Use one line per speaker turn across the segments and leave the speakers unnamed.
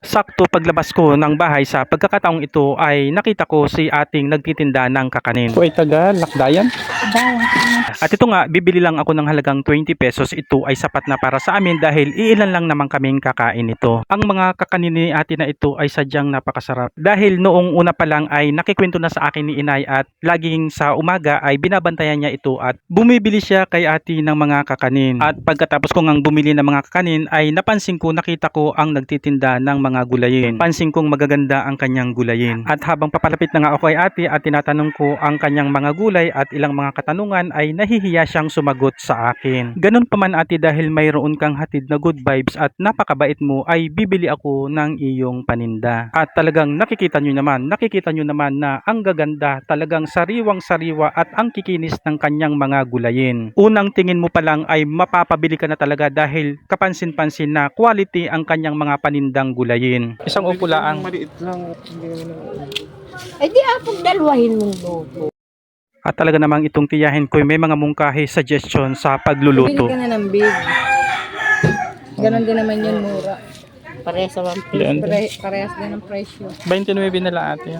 Sakto paglabas ko ng bahay sa pagkakataong ito ay nakita ko si ating nagtitinda ng kakanin. Ito ay taga Lakdayan. At ito nga, bibili lang ako ng halagang 20 pesos. Ito ay sapat na para sa amin dahil iilan lang naman kaming kakain ito. Ang mga kakanin ni ate na ito ay sadyang napakasarap. Dahil noong una pa lang ay nakikwento na sa akin ni inay at laging sa umaga ay binabantayan niya ito at bumibili siya kay ate ng mga kakanin. At pagkatapos ko ngang bumili ng mga kakanin ay napansin ko, nakita ko ang nagtitinda ng mga gulayin. Pansin kong magaganda ang kanyang gulayin. At habang papalapit na nga ako kay ate at tinatanong ko ang kanyang mga gulay at ilang mga katanungan ay nahihiya siyang sumagot sa akin. Ganun pa man ate, dahil mayroon kang hatid na good vibes at napakabait mo ay bibili ako ng iyong paninda. At talagang nakikita nyo naman na ang gaganda, talagang sariwang sariwa at ang kikinis ng kanyang mga gulayin. Unang tingin mo pa lang ay mapapabili ka na talaga dahil kapansin-pansin na quality ang kanyang mga panindang gulayin. Isang upo lang.
Maliit lang.
Eh di apong dalawahin mong luto.
At talaga namang itong tiyahin ko may mga mungkahi suggestion sa pagluluto.
Bili ka na ng big. Ganon din naman yun, mura.
Parehas naman.
Parehas din ang presyo.
29 nila ate.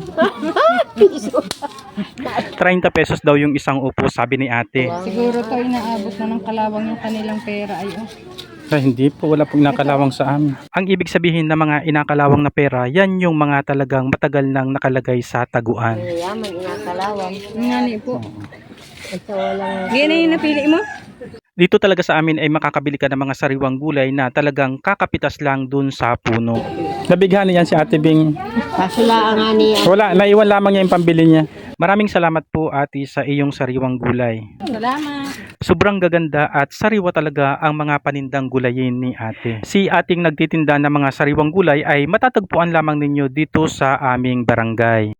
30 pesos daw yung isang upo, sabi ni ate.
Siguro to inaabot na ng kalawang yung kanilang pera ay
Hindi po, wala pong nakalawang sa amin. Ang ibig sabihin ng mga inakalawang na pera, yan yung mga talagang matagal nang nakalagay sa taguan.
Yaman, inakalawang.
Nga ni po.
Ito walang...
Yan na yung napili mo?
Dito talaga sa amin ay makakabili ka ng mga sariwang gulay na talagang kakapitas lang dun sa puno. Nabighan niyan si Ate Bing.
Kasula nga niya.
Wala, naiwan lamang niya yung pambili niya. Maraming salamat po ate sa iyong sariwang gulay.
Salamat.
Sobrang gaganda at sariwa talaga ang mga panindang gulayin ni ate. Si ating nagtitinda ng mga sariwang gulay ay matatagpuan lamang ninyo dito sa aming barangay.